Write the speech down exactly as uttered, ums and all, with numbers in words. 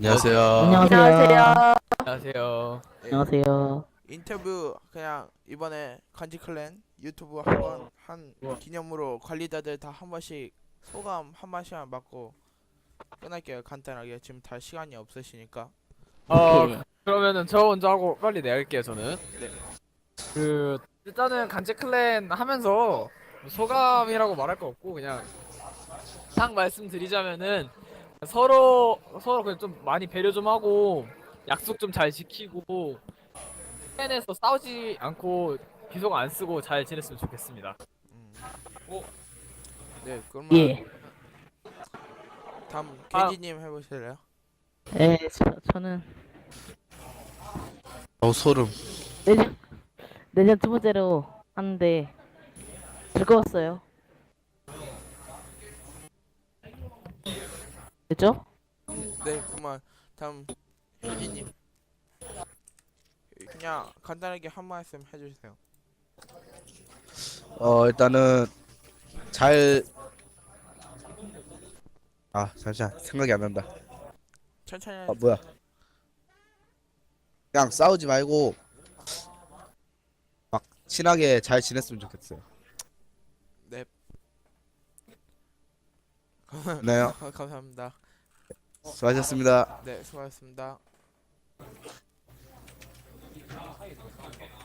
안녕하세요. 안녕하세요. 안녕하세요. 예, 안녕하세요. 인터뷰 그냥 이번에 간지 클랜 유튜브 한번 한 우와. 기념으로 관리자들 다 한 번씩 소감 한 마디만 받고 끝날게요. 간단하게 지금 다 시간이 없으시니까. 어 오케이. 그러면은 저 먼저 하고 빨리 내갈게요 저는. 네. 그 일단은 간제 클랜 하면서 소감이라고 말할 거 없고 그냥 딱 말씀드리자면은 서로 서로 그냥 좀 많이 배려 좀 하고 약속 좀 잘 지키고 클랜에서 싸우지 않고 비속 안 쓰고 잘 지냈으면 좋겠습니다. 음. 오. 네, 그러면 예. 다음 아. 겐지님 해보실래요? 예, 저, 저는 어 소름. 내년, 내년 두 번째로 하는데 즐거웠어요. 됐죠? 네, 그러면 다음 겐지님 그냥 간단하게 한 말씀 해주세요. 어 일단은 잘. 아 잠시만 생각이 안 난다. 천천히 아 해주세요. 뭐야? 그냥 싸우지 말고 막 친하게 잘 지냈으면 좋겠어요. 네. 네, 감사합니다. 수고하셨습니다. 네, 수고하셨습니다.